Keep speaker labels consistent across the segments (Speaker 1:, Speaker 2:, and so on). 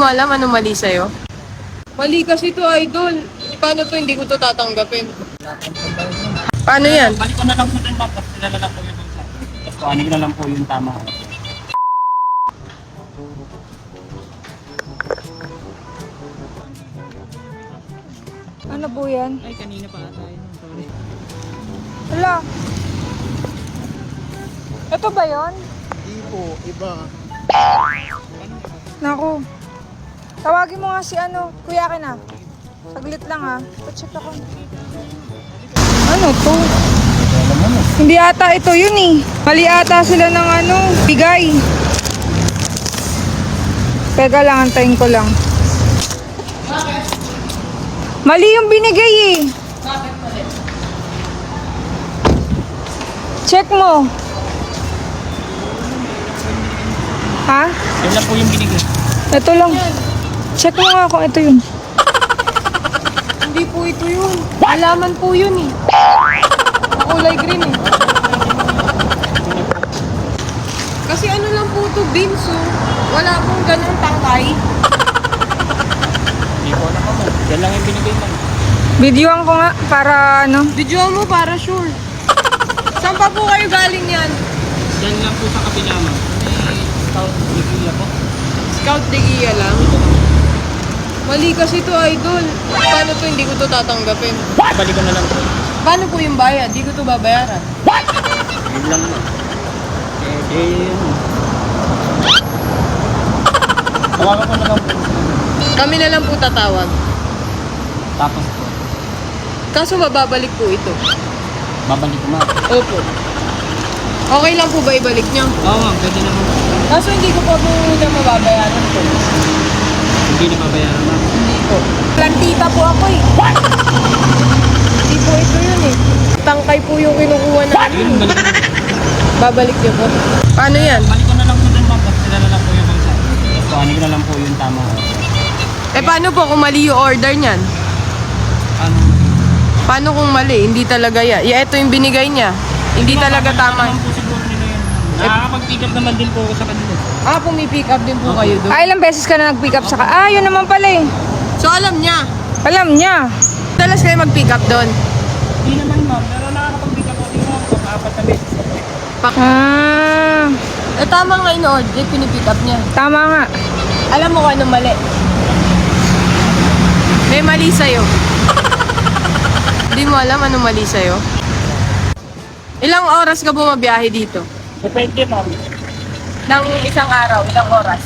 Speaker 1: mo alam anong mali sa'yo? Mali kasi to, idol. Paano to, hindi ko to tatanggapin. Paano yan?
Speaker 2: Balik ko na lang po din, ma'am. Tapos nila lang po yung bulsa. Tapos kuhanin ko na lang po yung tama.
Speaker 3: Ano po yan?
Speaker 2: Ay, kanina pa ata yun. Sorry.
Speaker 3: Hala. Ito ba yon?
Speaker 4: Hindi po, iba.
Speaker 3: Naku. Tawagin mo nga si ano, Kuya Ken ah. Saglit lang ah. Pa-check ako. Ano to? Hindi ata ito yun eh. Mali ata sila ng ano, bigay. Teka lang, antayin ko lang. Mali yung binigay eh.
Speaker 1: Bakit mali?
Speaker 3: Check mo. Ha?
Speaker 2: Yun lang po yung binigay.
Speaker 3: Ito lang. Check mo nga kung ito yun.
Speaker 1: Hindi po ito yun. Alaman po yun eh. Kulay green eh. Kasi ano lang po ito, beans oh. Wala pong ganun tangkay.
Speaker 2: Hindi ko alam mo. Yan lang yung binigay, ma'am.
Speaker 3: Videoan ko nga para ano.
Speaker 1: Video mo para sure. Saan pa po kayo galing yan?
Speaker 2: Yan lang po sa kabila, ma'am. May scout bigila po.
Speaker 1: Scout de Gia lang. Mali kasi to, idol. Paano to, hindi ko to tatanggapin.
Speaker 2: Balik ko na lang po.
Speaker 1: Paano po yung bayad? Hindi ko to babayaran.
Speaker 2: Yun lang, ma'am. Yun. Tawagan ko na lang po.
Speaker 1: Kami na lang po tatawag.
Speaker 2: Tapos po,
Speaker 1: Kaso mababalik po ito.
Speaker 2: babalik ko, ma'am.
Speaker 1: Opo. Okay lang po ba ibalik niyo?
Speaker 2: Oo, ma'am. Pwede naman po.
Speaker 1: Kaso hindi ko po muna mababayaran po.
Speaker 2: Hindi na babayaran, ma'am.
Speaker 1: Hindi po. Plantita po ako eh. Hindi po ito yun eh. Tangkay po yung kinukuha
Speaker 2: Yun,
Speaker 1: namin.
Speaker 2: balik ko na.
Speaker 1: Babalik niyo po. Paano yan?
Speaker 2: Balik ko na lang po din, ma'am. Tapos nila lang po yung bulsa. Tapos kuhanin ko na lang po yung tama.
Speaker 1: Eh paano po kung mali yung order niyan?
Speaker 2: Ano?
Speaker 1: Paano kung mali? Hindi talaga yan. Ito yung binigay niya. Hindi talaga tama.
Speaker 2: Naman po siguro nila yun. Nakakapag-pick up naman din po ako sa kanila.
Speaker 1: Pumipick up din po kayo doon.
Speaker 3: Ilang beses ka na nag-pick up sa yun naman pala eh.
Speaker 1: So alam niya.
Speaker 3: Alam niya.
Speaker 1: Dalas kayo mag-pick up doon.
Speaker 2: Hindi naman, ma'am. Pero nakakapag-pick up ako din, ma'am. Pang-apat na beses.
Speaker 3: Ah,
Speaker 1: Tama nga yung order, pinipick up niya.
Speaker 3: tama nga.
Speaker 1: Alam mo kung anong mali? May mali sa'yo. Hindi mo alam anong mali sa'yo? Ilang oras ka bumabiyahe dito?
Speaker 2: Depende, ma'am.
Speaker 1: Nang isang araw, ilang oras?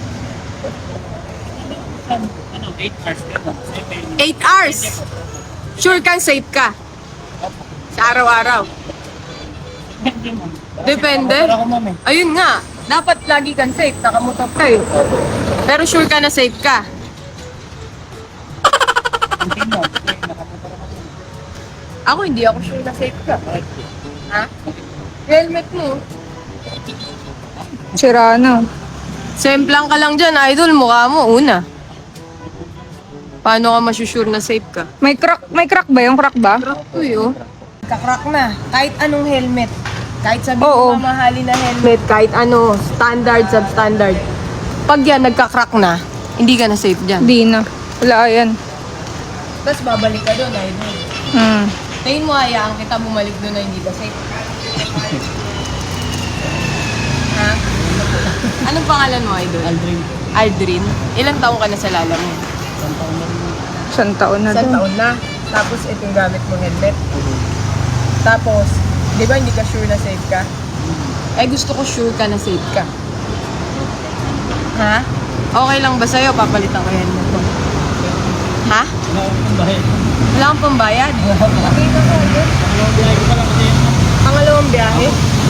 Speaker 2: Ano, 8 hours ka, ma'am.
Speaker 1: 8 hours! Sure kang safe ka? Sa araw-araw?
Speaker 2: Depende, ma'am.
Speaker 1: Depende?
Speaker 2: Nakamotor ako, ma'am, eh.
Speaker 1: Ayun nga, dapat lagi kang safe, nakamotor ka eh. Pero sure ka na safe ka?
Speaker 2: Hindi, ma'am. Nakamotor ako.
Speaker 1: Ako hindi ako sure na safe ka. Ha? Helmet mo.
Speaker 3: Sira na.
Speaker 1: Semplang ka lang dyan, idol, mukha mo, una. Paano ka masusure na safe ka?
Speaker 3: May crack ba yung crack ba?
Speaker 1: Crack to yun. Kakrak na. Kahit anong helmet. Kahit sabihin
Speaker 3: Oo.
Speaker 1: mo mamahalin na helmet, kahit ano, standard, substandard. Pag yan, nagkakrak na, hindi ka na safe dyan.
Speaker 3: Di na. Wala yan.
Speaker 1: Tapos babalik ka doon, idol.
Speaker 3: Hmm.
Speaker 1: Tingin mo, hayaan kita bumalik doon na hindi ka safe. Ha? Anong pangalan mo, idol?
Speaker 2: Aldrin.
Speaker 1: Aldrin. Ilang taong ka na sa lala mo?
Speaker 2: Isang taon na rin.
Speaker 3: Isang taon na
Speaker 1: Isang
Speaker 3: doon.
Speaker 1: taon na. Tapos ito yung gamit mo helmet. Tapos, di ba hindi ka sure na safe ka? Eh gusto ko sure ka na safe ka. Ha? Okay lang ba sa'yo? Papalitan ko yung helmet mo. Ha?
Speaker 2: Wala akong bahay.
Speaker 1: Wala kang pambayad? Okay na ko.
Speaker 2: Dalawang biyahe ko pa lang kasi yun, ma'am.
Speaker 1: Pangalawang biyahe?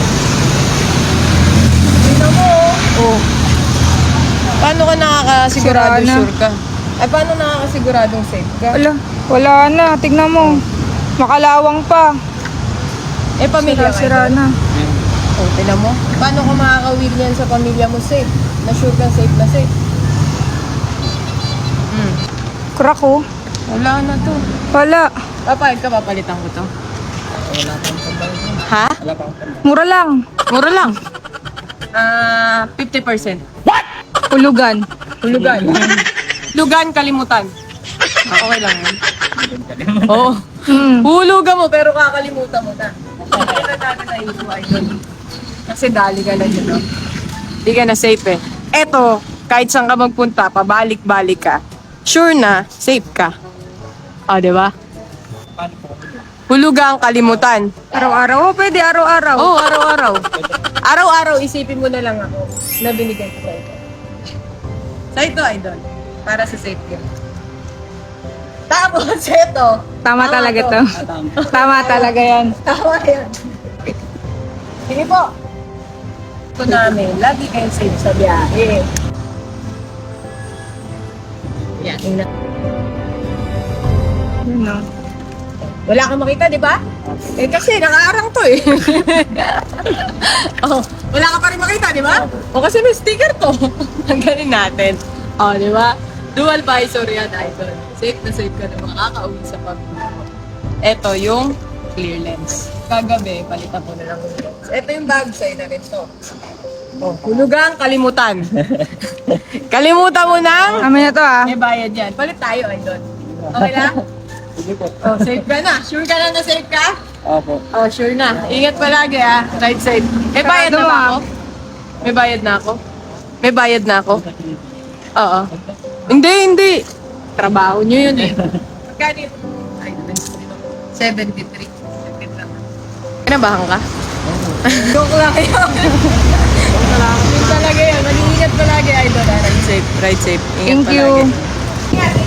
Speaker 1: Tingnan mo. Oh. Paano ka nakakasigurado
Speaker 3: Sira na.
Speaker 1: sure ka? Ay, paano nakakasiguradong safe ka?
Speaker 3: Wala na. Tignan mo. Makalawang pa.
Speaker 1: Eh, pamilya ka.
Speaker 3: Sira na.
Speaker 1: Oh, tingnan mo. Paano ka makakawil niyan sa pamilya mo safe? Na sure kang safe na safe?
Speaker 3: Crack oh.
Speaker 1: Wala na to.
Speaker 3: Wala.
Speaker 1: Papayag ka, papalitan ko to.
Speaker 2: Wala pang pambayad, ma'am.
Speaker 1: Ha?
Speaker 2: Wala pang pambayad.
Speaker 3: Mura lang.
Speaker 1: Mura lang. 50%.
Speaker 3: Hulugan.
Speaker 1: Hulugan. Lugan, kalimutan. Okay lang yun. Oo. Hulugan mo, pero kakalimutan mo na. Kaya natin na ito, idol. Kasi dali ka na yun, no? Hindi ka na safe eh. Eto, kahit saan ka magpunta, pabalik-balik ka. Sure na, safe ka. O, di ba? Hulugang kalimutan.
Speaker 3: Araw-araw. Oh, pwede araw-araw.
Speaker 1: Oo, araw-araw. Araw-araw, isipin mo na lang ako na binigay ko sa ito. Sa ito, idol. Para sa safe ka. Tapos, ito.
Speaker 3: Tama talaga to. Tama talaga yan.
Speaker 1: Tama yan. Sige po. Ito namin, lagi kayong safe sa biyahe. Yan, tingnan.
Speaker 3: Yun, no?
Speaker 1: Wala kang makita, di ba? Eh kasi nakaarang to eh. Oh, wala ka pa rin makita, di ba? O kasi may sticker to. Tanggalin natin. O, di ba? Dual visor yan, idol. Safe na safe ka na makakauwi sa pag-uwi. Ito yung clear lens. Kagabi, palitan ko na lang yung lens. Ito yung bag sa'yo na rin to. Oh, hulugang kalimutan. Kalimutan mo nang
Speaker 3: Amin na to ah.
Speaker 1: may bayad yan. Palit tayo, idol. Okay lang? Oh, safe ka na. Sure ka na safe ka?
Speaker 2: Opo.
Speaker 1: Oh, sure na. Ingat palagi ah. Ride safe. May bayad na ba ako? May bayad na ako? May bayad na ako? Oo. Hindi. Trabaho nyo yun eh. Magkano ito? Ay, 73. Kinabahan ka? Joke lang yun. Joke lang. Yun talaga yun. Mag-iingat palagi, idol. Ride safe. Ride safe. Ingat
Speaker 3: Thank you.
Speaker 1: palagi. Ingat.